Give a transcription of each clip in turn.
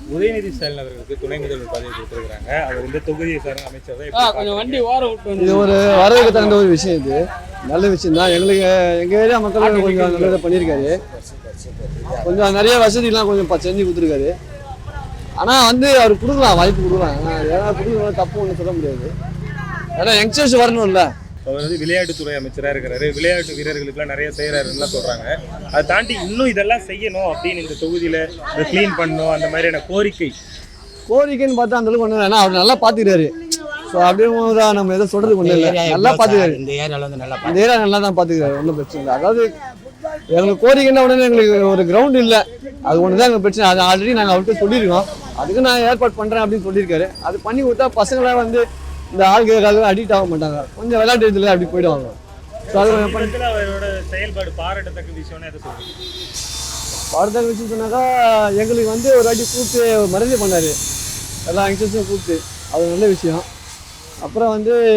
உதயநிதி ஸ்டாலின் அவர்களுக்கு துணை முதல்வர் பதவி கொடுத்துருக்காங்க. அவர் இந்த தொகுதியை சார்ந்த அமைச்சர் தான். கொஞ்சம் வண்டி ஓர விட்டு இது ஒரு வரவேற்க தகுந்த ஒரு விஷயம். இது நல்ல விஷயம் தான். எங்களுக்கு எங்கள் ஏரியா மக்களுக்கு கொஞ்சம் நல்லதாக பண்ணியிருக்காரு. கொஞ்சம் நிறைய வசதிலாம் கொஞ்சம் செஞ்சு கொடுத்துருக்காரு. ஆனால் அவர் கொடுக்கலாம், வாய்ப்பு கொடுக்கலாம். ஏன்னா கொடுக்கலாம், தப்பு ஒன்றும் சொல்ல முடியாது. ஏன்னா யங்ஸ்டர்ஸ் வரணும்ல. அவர் விளையாட்டுத்துறை அமைச்சராக இருக்கிறாரு. விளையாட்டு வீரர்களுக்குலாம் நிறைய செய்கிறாருன்னு சொல்கிறாங்க. அதை தாண்டி இன்னும் இதெல்லாம் செய்யணும் அப்படின்னு இந்த தொகுதியில் இதை க்ளீன் பண்ணணும் அந்த மாதிரியான கோரிக்கைன்னு பார்த்தா அந்த அளவுக்கு ஒன்றும் இல்லை. ஏன்னா அவர் நல்லா பார்த்துக்கிறாரு. ஸோ அப்படியே தான் நம்ம எதை சொல்கிறது ஒன்றும் இல்லை. நல்லா பார்த்துக்கிறாரு. இந்த ஏரியா நல்லா தான் பார்த்துக்கிறாரு. ஒன்றும் பிரச்சனை இல்லை. அதாவது எங்களுக்கு கோரிக்கைன்னா உடனே எங்களுக்கு ஒரு கிரவுண்ட் இல்லை, அது ஒன்று தான் எங்களுக்கு பிரச்சனை. அது ஆல்ரெடி நாங்கள் அவர்கிட்ட சொல்லியிருக்கோம். அதுக்கு நான் ஏற்பாடு பண்ணுறேன் அப்படின்னு சொல்லியிருக்காரு. அது பண்ணி கொடுத்தா பசங்களாம் இந்த ஆளுகளுக்காக அடிக்ட் ஆக மாட்டாங்க. கொஞ்சம் விளையாட்டு இதில் அப்படி போயிடுவாங்க. ஸோ அது அவரோட செயல்பாடு பாராட்டத்தக்க விஷயம்னு எதை சொல்லுங்க? பாராட்டத்தக்க விஷயம் சொன்னாக்கா எங்களுக்கு ஒரு வாட்டி கூப்பிட்டு மரியாதை பண்ணார். எல்லா யங்ஸ்டர்ஸும் கூப்பிட்டு, அது நல்ல விஷயம். அப்புறம்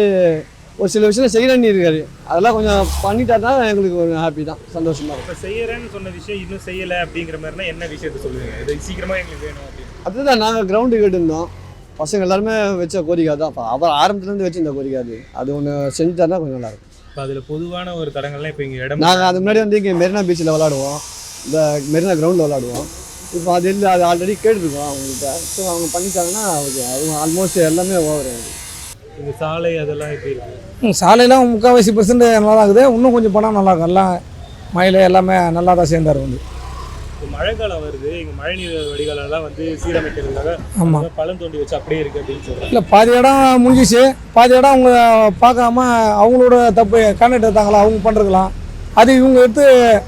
ஒரு சில விஷயம் செய்யறேன்னு இருக்காரு. அதெல்லாம் கொஞ்சம் பண்ணிட்டாருன்னா எங்களுக்கு ஒரு ஹாப்பி தான், சந்தோஷமா இருக்கும். இப்போ செய்யறேன்னு சொன்ன விஷயம் இன்னும் செய்யலை அப்படிங்கிற மாதிரினா என்ன விஷயத்த சொல்லுவீங்க? இது சீக்கிரமாக எங்களுக்கு வேணும் அப்படின்னு. அதுதான் நாங்கள் கிரவுண்டு கேட்டுருந்தோம். பசங்க எல்லாருமே வச்ச கோரிக்கை தான். அவர் ஆரம்பத்துலேருந்து வச்சு இந்த கோரிக்கை அது ஒன்று செஞ்சுட்டாருன்னா கொஞ்சம் நல்லாயிருக்கும். இப்போ அதில் பொதுவான ஒரு தடங்கள்லாம் இப்போ இங்கே இடம் நாங்கள் அது முன்னாடி இங்கே மெரினா பீச்சில் விளாடுவோம், இந்த மெரினா கிரவுண்டில் விளாடுவோம். இப்போ அது இல்லை, அது ஆல்ரெடி கேட்டுருக்கோம் அவங்ககிட்ட. ஸோ அவங்க பண்ணிட்டாங்கன்னா ஓகே. அவங்க ஆல்மோஸ்ட் எல்லாமே ஓவர். இந்த சாலை அதெல்லாம் எப்படி இருக்குது? சாலையெல்லாம் 3/4% நல்லா தான் இருக்குது. இன்னும் கொஞ்சம் பணம் நல்லாயிருக்கும். எல்லாம் மழையில் எல்லாமே நல்லா தான் சேர்ந்தார். மழை காலம் வருது, எங்கள் மழைநீர் வடிகாலெல்லாம் சீரமைக்கிறதுக்காக ஆமாம் பழம் தோண்டி வச்சு அப்படியே இருக்குது அப்படின்னு சொல்கிறாங்க. இல்லை, பாதி இடம் முடிஞ்சிச்சு, பாதி இடம் அவங்க பார்க்காம அவங்களோட தப்பு கான்ட்ராக்ட் எடுத்தாங்களா அவங்க பண்ணுறதுலாம். அது இவங்க எடுத்து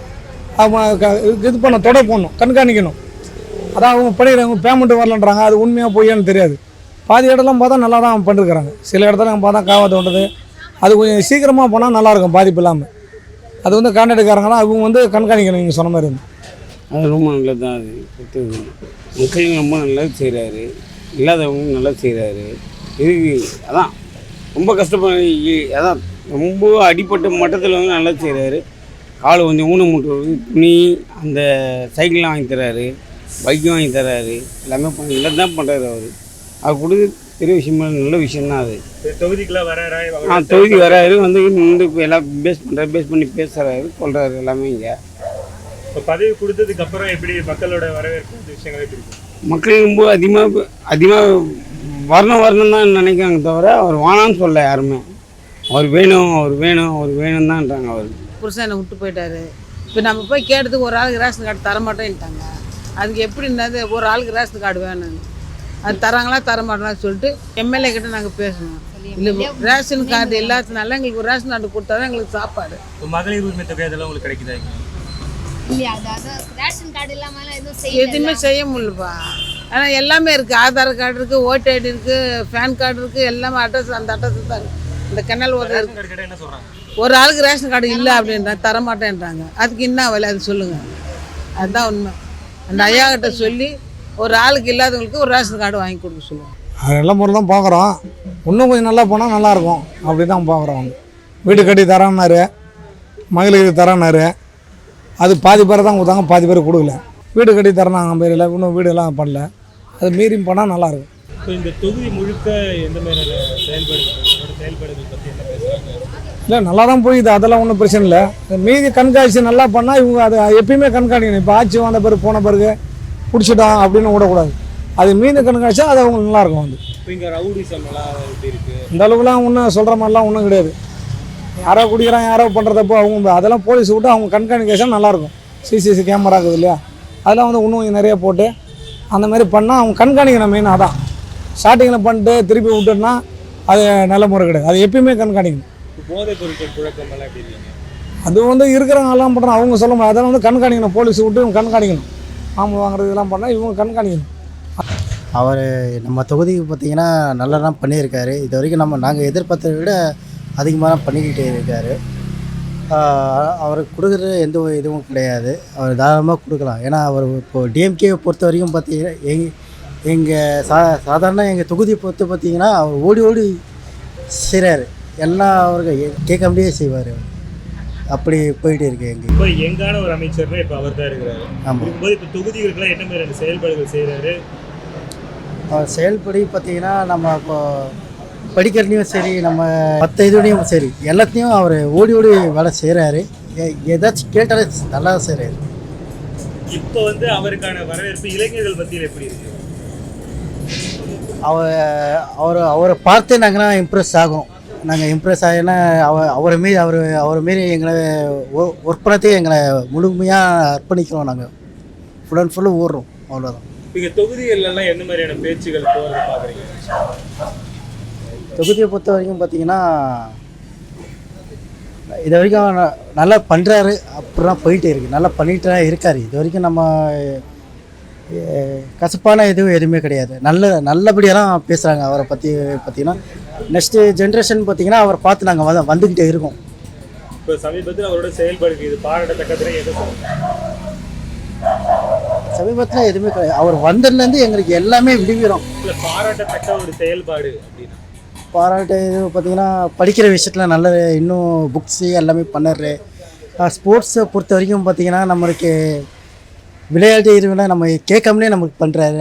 அவங்க இது தொடர் போடணும், கண்காணிக்கணும். அதான் அவங்க பண்ணிடுறாங்க, பேமெண்ட்டு வரலன்றாங்க. அது உண்மையாக பொய்யான்னு தெரியாது. பாதி இடம்லாம் பார்த்தா நல்லா தான் பண்ணிருக்கிறாங்க. சில இடத்துல பார்த்தா காவா தோண்டுறது, அது கொஞ்சம் சீக்கிரமாக போனால் நல்லாயிருக்கும், பாதிப்பு இல்லாமல். அது கான்ட்ராக்டுக்காரங்களாம் அவங்க கண்காணிக்கணும். நீங்கள் சொன்ன மாதிரி அது ரொம்ப நல்லது தான். அது கொடுத்தது மக்களும் ரொம்ப நல்லது செய்கிறாரு, இல்லாதவங்க நல்லது செய்கிறாரு. இதுக்கு அதான் ரொம்ப கஷ்டப்பட, அதான் ரொம்ப அடிப்பட்ட மட்டத்தில் நல்லது செய்கிறாரு. காலை கொஞ்சம் ஊனமுட்டுறது, துணி, அந்த சைக்கிள்லாம் வாங்கி தர்றாரு, பைக்கும் வாங்கி தர்றாரு. எல்லாமே நல்லது தான் பண்ணுறாரு அவர். அது கொடுத்து பெரிய விஷயமா நல்ல விஷயம்தான். அது தொகுதிக்குலாம் வராரு. தொகுதி வராரு, எல்லாம் பேஸ் பண்ணி பேசுகிறாரு, சொல்கிறாரு எல்லாமே. இங்கே இப்போ பதவி கொடுத்ததுக்கு அப்புறம் எப்படி மக்களோட வரவேற்பு விஷயங்களே பிடிக்கும்? மக்கள் ரொம்ப அதிகமாக வரணும் தான் நினைக்கிறாங்க தவிர அவர் வானான்னு சொல்ல யாருமே. அவர் வேணும் தான்ன்றாங்க. அவர் புருஷனை விட்டு போயிட்டாரு. இப்போ நம்ம போய் கேட்டதுக்கு ஒரு ஆளுக்கு ரேஷன் கார்டு தரமாட்டேன்ட்டாங்க. அதுக்கு எப்படி இருந்தது? ஒரு ஆளுக்கு ரேஷன் கார்டு வேணும், அது தராங்களா தரமாட்டேன்னு சொல்லிட்டு எம்எல்ஏ கிட்ட நாங்கள் பேசணும். இல்லை, ரேஷன் கார்டு எல்லாத்தினால எங்களுக்கு ஒரு ரேஷன் கார்டு கொடுத்தா தான் எங்களுக்கு சாப்பாடு. மகளிர் உரிமை தொகை அதெல்லாம் உங்களுக்கு கிடைக்குதா? எதுவுமே செய்ய முடியலப்பா. ஆனால் எல்லாமே இருக்குது. ஆதார் கார்டு இருக்குது, ஓட்டு ஐடி இருக்குது, பேன் கார்டு இருக்குது, எல்லாமே அட்ரஸ், அந்த அட்ரஸ் தான் இந்த கெனல் ஓட்டர் இருக்குது. ஒரு ஆளுக்கு ரேஷன் கார்டு இல்லை அப்படின்றாங்க, தரமாட்டேன்றாங்க. அதுக்கு என்ன வேலை அது சொல்லுங்கள்? அதுதான் உண்மை. அந்த ஐயா கிட்ட சொல்லி ஒரு ஆளுக்கு இல்லாதவங்களுக்கு ஒரு ரேஷன் கார்டு வாங்கி கொடுக்க சொல்லுவோம். அது நல்ல முறை தான் பார்க்குறோம். இன்னும் கொஞ்சம் நல்லா போனால் நல்லாயிருக்கும். அப்படி தான் பார்க்குறோம். வீடு கட்டி தரான்னாரு, மகளிருக்கு தரான்னாரு. அது பாதி பேர் தான் கொடுத்தாங்க, பாதி பேர் கொடுக்கல. வீடு கட்டி தரணாங்க பேரில், இன்னும் வீடெல்லாம் பண்ணல. அது மீறியும் பண்ணால் நல்லாயிருக்கும். இப்போ இந்த தொகுதி முழுக்க எந்த மாதிரியான செயல்பாடுகள் பற்றி என்ன பேசுகிறாங்க? இல்லை, நல்லா தான் போயிது, அதெல்லாம் ஒன்றும் பிரச்சனை இல்லை. மீதி கண்காட்சி நல்லா பண்ணால் இவங்க அதை எப்பயுமே கண்காணிக்கணும். இப்போ ஆட்சி வந்த பிறகு போன பிறகு பிடிச்சிட்டோம் அப்படின்னு விடக்கூடாது. அது மீதி கண்காட்சியா அது அவங்க நல்லாயிருக்கும். இப்போ இங்கே ரவுடிசம் எல்லாம் எப்படி இருக்குது? இந்த அளவுக்குலாம் ஒன்றும் சொல்கிற மாதிரிலாம் ஒன்றும் கிடையாது. யாரோ குடிக்கிறான், யாரோ பண்ணுறதப்போ அவங்க அதெல்லாம் போலீஸ் விட்டு அவங்க கண்காணிக்கேஷன் நல்லாயிருக்கும். சிசிசி கேமரா இருக்குது இல்லையா, அதெல்லாம் இன்னும் நிறைய போட்டு அந்த மாதிரி பண்ணால் அவங்க கண்காணிக்கணும். மெயின் அதான். ஸ்டார்டிங்கில் பண்ணிட்டு திருப்பி விட்டுன்னா அது நல்ல முறை கிடையாது. அது எப்பயுமே கண்காணிக்கணும். போதைப் பொருட்கள் புழக்கம் எல்லாம் எப்படி இருக்கீங்க? அது இருக்கிறவங்க எல்லாம் பண்ணுறாங்க, அவங்க சொல்ல முடியாது. அதெல்லாம் கண்காணிக்கணும். போலீஸ் விட்டு இவங்க கண்காணிக்கணும். மாமூல் வாங்குறது இதெல்லாம் பண்ணால் இவங்க கண்காணிக்கணும். அவர் நம்ம தொகுதிக்கு பார்த்திங்கன்னா நல்லா தான் பண்ணியிருக்காரு. இது வரைக்கும் நாங்கள் எதிர்பார்த்ததை விட அதிகமாக பண்ணிக்கிட்டே இருக்கார். அவருக்கு கொடுக்குறது எந்த இதுவும் கிடையாது. அவர் தாராளமாக கொடுக்கலாம். ஏன்னா அவர் இப்போது டிஎம்கேவை பொறுத்த வரைக்கும் பார்த்தீங்கன்னா எங்கள் சாதாரண எங்கள் தொகுதியை பொறுத்து பார்த்திங்கன்னா அவர் ஓடி செய்கிறாரு. எல்லாம் அவருக்கு கேட்க முடியே செய்வார். அப்படி போயிட்டு இருக்கு. இப்போ எங்கான ஒரு அமைச்சர்னா இப்போ அவர் தான் இருக்கிறாரு. இருக்கும்போது இப்போ தொகுதிகளுக்கெல்லாம் என்ன மாதிரி செயல்பாடுகள் செய்கிறாரு, அவர் செயல்படி பார்த்தீங்கன்னா நம்ம இப்போ படிக்கிறதுலையும் சரி நம்ம மற்ற இதுலேயும் சரி எல்லாத்தையும் அவர் ஓடி ஓடி வேலை செய்கிறாரு. ஏதாச்சும் கேட்டாலே நல்லா செய்கிறாரு. இப்போ வந்து அவருக்கான வரவேற்பு இளைஞர்கள் மத்தியில் எப்படி இருக்கு? அவரை பார்த்து நாங்கள் இம்ப்ரெஸ் ஆகும். நாங்கள் இம்ப்ரெஸ் ஆகினா அவரை மாரி எங்களை ஒர்க் பண்ணத்தையும் எங்களை முழுமையாக அர்ப்பணிக்கிறோம். நாங்கள் ஃபுல் அண்ட் ஃபுல்லு ஓடுறோம், அவ்வளோதான். இங்கே தொகுதிகள்லாம் என்ன மாதிரியான பேச்சுகள் போகிறத பார்க்குறீங்க? தொகுதியை பொறுத்த வரைக்கும் பார்த்தீங்கன்னா இது வரைக்கும் நல்லா பண்ணுறாரு, அப்படிலாம் போயிட்டே இருக்குது. நல்லா பண்ணிட்டு தான் இருக்கார். இது வரைக்கும் நம்ம கசப்பான எதுவுமே கிடையாது. நல்லபடியாக தான் பேசுகிறாங்க அவரை பற்றி. பார்த்தீங்கன்னா நெக்ஸ்ட்டு ஜென்ரேஷன் பார்த்தீங்கன்னா அவரை பார்த்து நாங்கள் வந்துக்கிட்டே இருக்கோம். இப்போ சமீபத்தில் அவரோட செயல்பாடுக்கு இது பாராட்டத்தக்கதுன்னு எதை சொல்லுங்க? சமீபத்தில் எதுவுமே கிடையாது. அவர் வந்ததுலேருந்து எங்களுக்கு எல்லாமே விடுவிடும். இல்லை, பாராட்டத்தக்க ஒரு செயல்பாடு அப்படின்னா பாராட்டு இது பார்த்திங்கன்னா படிக்கிற விஷயத்தில் நல்ல இன்னும் புக்ஸு எல்லாமே பண்ணுறாரு. ஸ்போர்ட்ஸை பொறுத்த வரைக்கும் பார்த்திங்கன்னா நம்மளுக்கு விளையாட்டு இதுவெல்லாம் நம்ம கேட்காமலே நமக்கு பண்ணுறாரு.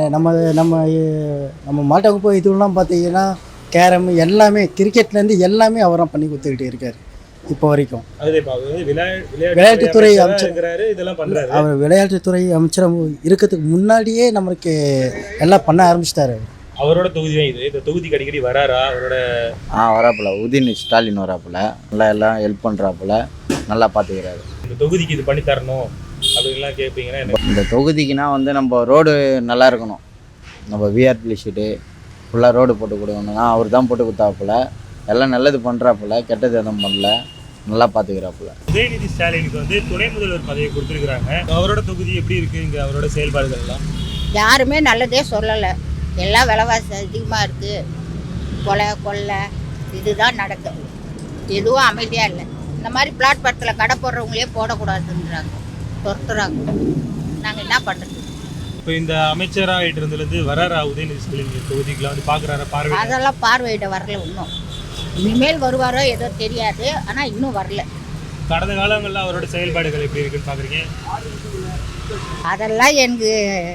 நம்ம மாட்டவகுப்பு இதுவெல்லாம் பார்த்திங்கன்னா கேரம் எல்லாமே கிரிக்கெட்லேருந்து எல்லாமே அவராக பண்ணி கொடுத்துக்கிட்டே இருக்கார் இப்போ வரைக்கும். விளையாட்டுத்துறை அமைச்சர் இதெல்லாம் பண்ணுறாரு. அவர் விளையாட்டுத்துறை அமைச்சராக இருக்கிறதுக்கு முன்னாடியே நம்மளுக்கு எல்லாம் பண்ண ஆரம்பிச்சிட்டாரு. அவரோட தொகுதி தான் இது. இந்த தொகுதிக்கு அடிக்கடி வராரா அவரோட? வராப்புல உதயநிதி ஸ்டாலின் வராப்புல நல்லா எல்லாம் ஹெல்ப் பண்ணுறாப்புல, நல்லா பார்த்துக்கிறாரு. இந்த தொகுதிக்கு இது பண்ணி தரணும் அப்படின்லாம் கேட்பீங்கன்னா இந்த தொகுதிக்குனா வந்து நம்ம ரோடு நல்லா இருக்கணும். நம்ம விஆர்பி ஷீட்டு ஃபுல்லாக ரோடு போட்டு கொடுக்கணும்னா அவர் தான் போட்டு கொடுத்தாப்புல. எல்லாம் நல்லது பண்ணுறாப்புல, கெட்டது எதுவும் பண்ணல, நல்லா பார்த்துக்கிறாப்புல. உதயநிதி ஸ்டாலினுக்கு வந்து துணை முதல்வர் பதவி கொடுத்துருக்குறாங்க. அவரோட தொகுதி எப்படி இருக்குது? இங்கே அவரோட செயல்பாடுகள்லாம் யாருமே நல்லதே சொல்லலை. எல்லாம் விலைவாசி அதிகமாக இருக்குது, கொள்ளை இதுதான் நடக்குது. எதுவும் அமைதியாக இல்லை. இந்த மாதிரி பிளாட்பாரத்தில் கடை போடுறவங்களே போடக்கூடாதுன்றாங்க, துரத்துறாங்க. நாங்கள் என்ன பண்ணுறது? இப்போ இந்த அமைச்சராகிட்டு இருந்ததுலேருந்து வராரா உதயநிதி ஸ்டாலின் தொகுதிக்கெலாம் வந்து பார்க்குறாரா? பார்வை அதெல்லாம் பார்வையிட வரல இன்னும். இனிமேல் வருவாரோ ஏதோ தெரியாது, ஆனால் இன்னும் வரல. கடந்த காலங்களில் அவரோட செயல்பாடுகள் எப்படி இருக்குன்னு பார்க்குறீங்க? அதெல்லாம் எனக்கு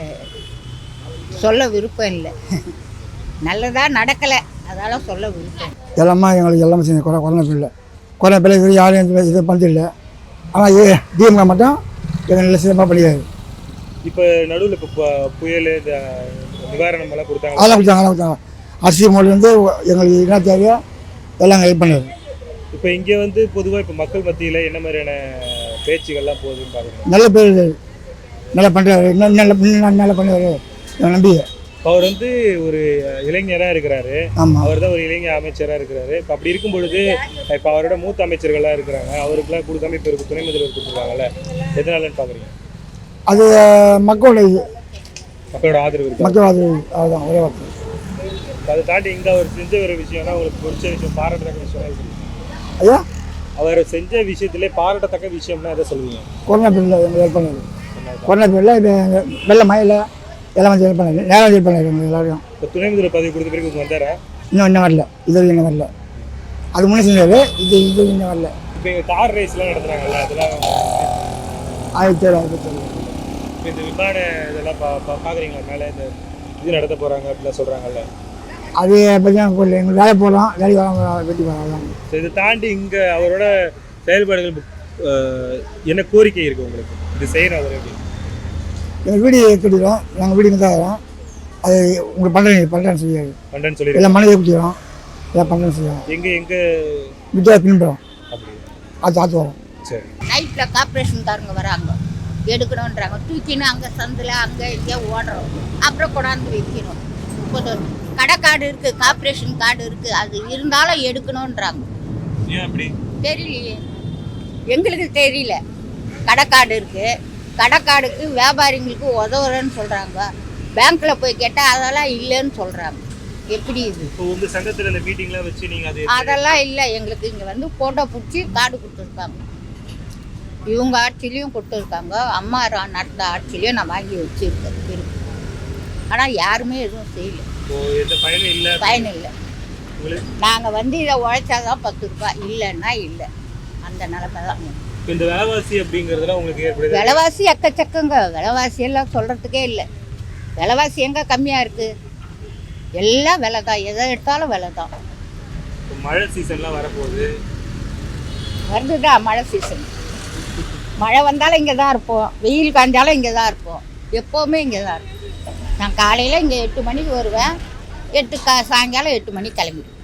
சொல்ல விருப்பம் இல்லை. நல்லதாக நடக்கலை, அதெல்லாம் சொல்ல விருப்பம். எல்லாமே எங்களுக்கு எல்லாமே செஞ்சு கொரோனா பிள்ளை இது யாரும் இதை பண்ணதில்லை. ஆனால் டிஎம்கே மட்டும் எங்கள் நல்ல சிறப்பாக பண்ணியாது. இப்போ நடுவில் இப்போ புயல் இந்த நிவாரணம் எல்லாம் கொடுத்தாங்க. அதெல்லாம் கொடுத்தாங்க. அரிசி மொழிலேருந்து எங்களுக்கு என்ன தேவையோ எல்லாம் ஹெல்ப் பண்ணுது. இப்போ இங்கே வந்து பொதுவாக இப்போ மக்கள் மத்தியில் என்ன மாதிரியான பேச்சுகள்லாம் போகுதுன்னு பார்க்குறேன். நல்ல பேர் நல்லா பண்ணுறாரு, இன்னும் நல்லா பண்ணுவார் நம்பிக்கை. அவர் வந்து ஒரு இளைஞராக இருக்கிறாரு. ஆமாம், அவர் தான் ஒரு இளைஞர் அமைச்சராக இருக்கிறாரு. இப்போ அப்படி இருக்கும் பொழுது இப்போ அவரோட மூத்த அமைச்சர்கள்லாம் இருக்கிறாங்க, அவருக்குலாம் கொடுக்காம இப்போ துணை முதல்வர் கொடுத்துருக்காங்கல்ல, எதனாலன்னு பார்க்குறீங்க? அது மக்களோட ஆதரவு இருக்கு. மக்கள் ஆதரவு, அதுதான் ஒரே வார்த்தை. அதை தாண்டி இங்கே அவர் செஞ்ச ஒரு விஷயம்னா உங்களுக்கு பிடிச்ச விஷயம், பாராட்டத்தக்க விஷயம் ஐயா, அவர் செஞ்ச விஷயத்திலே பாராட்டத்தக்க விஷயம்னா எதை சொல்லுவீங்க? கொரோனா பீரியடில் எங்களுக்கு ஹெல்ப் பண்ணாரு. கொரோனா பீரியடில் இது வெள்ள மழையில் எல்லாம் வந்து ஹெல்ப் பண்ணாரு, நேரம் ஹெல்ப் பண்ணாரு எங்களுக்கு எல்லாரையும். இப்போ துணை முதல்வர் பதவி கொடுத்த பிறகு இங்கே வந்தாரா? இன்னும் வரல, இது இன்னும் வரல. அது முன்னே செஞ்சாரு, இது இன்னும் வரல. இப்போ இங்கே கார் ரேஸ்லாம் நடத்துகிறாங்கல்ல, அதெல்லாம் ஆயிரத்தி இப்போ இந்த விமான இதெல்லாம் பார்க்குறீங்களா? மேலே இந்த இது நடத்த போகிறாங்க அப்படிலாம் சொல்கிறாங்கல்ல, அது பார்த்தீங்கன்னா போடல. எங்களுக்கு வேலை போகிறோம், வேலைக்கு வர வெட்டி போகிறோம். ஸோ இதை தாண்டி இங்கே அவரோட செயல்பாடுகள் என்ன கோரிக்கை இருக்குது உங்களுக்கு? இது செய்யணும் அவர் எப்படி? எங்கள் வீடு கட்டிடுறோம், நாங்கள் வீடு தான் வரோம். அது உங்களுக்கு பண்ணுறேன்னு சொல்லியாரு. பண்ணுறேன்னு சொல்லி எல்லாம் மனையை கட்டிடுறோம், எல்லாம் பண்ணுறேன்னு சொல்லுவோம். எங்கே வீட்டாக பின்புறோம், அப்படி அது ஆற்று வரோம். சரி. நைட்டில் கார்பரேஷன்காரங்க வராங்க, எடுக்கணுன்றாங்க. தூக்கின்னு அங்கே சந்தில் அங்கே இங்கே ஓடுறோம், அப்புறம் கொண்டாந்து வைக்கிறோம். இப்போ கடை கார்டு இருக்குது, கார்பரேஷன் கார்டு இருக்குது, அது இருந்தாலும் எடுக்கணுன்றாங்க. ஏன் அப்படி தெரியலையே, எங்களுக்கு தெரியல. கடை கார்டு இருக்குது, கடை கார்டுக்கு வியாபாரிங்களுக்கு உதவுறேன்னு சொல்கிறாங்க. பேங்க்கில் போய் கேட்டால் அதெல்லாம் இல்லைன்னு சொல்கிறாங்க. எப்படி இது? இப்போ உங்கள் சங்கத்தில் இந்த மீட்டிங்லாம் வச்சு நீங்கள் அதெல்லாம் இல்லை. எங்களுக்கு இங்கே வந்து ஃபோட்டோ பிடிச்சி கார்டு கொடுத்துருக்காங்க. இவங்க ஆட்சிலையும் கொடுத்துருக்காங்க, அம்மா நடந்த ஆட்சிலையும் நான் வாங்கி வச்சுருக்கேன் இருக்கு. ஆனால் யாருமே எதுவும் செய்யலை, பயன் இல்லை. பயன் இல்லை. நாங்கள் வந்து இதை உழைச்சாதான் 10 ரூபாய், இல்லைன்னா இல்லை. அந்த நிலைமை தான். இந்த விலைவாசி அப்படிங்கிறதுலாம் உங்களுக்கு ஏற்படுது? விலைவாசி எக்கச்சக்கங்க. விலைவாசி எல்லாம் சொல்கிறதுக்கே இல்லை. விலைவாசி எங்கே கம்மியாக இருக்குது? எல்லாம் விலை தான், எதை எடுத்தாலும் விலை தான். இப்போ மழை சீசன்லாம் வரப்போகுது. வருதுதான் மழை சீசன். மழை வந்தாலும் இங்கே தான் இருப்போம், வெயில் காய்ஞ்சாலும் இங்கே தான் இருப்போம், எப்போவுமே இங்கே தான் இருப்போம். நான் காலையில் இங்கே 8 மணிக்கு வருவேன், சாயங்காலம் 8 மணிக்கு கிளம்பிடுவேன்.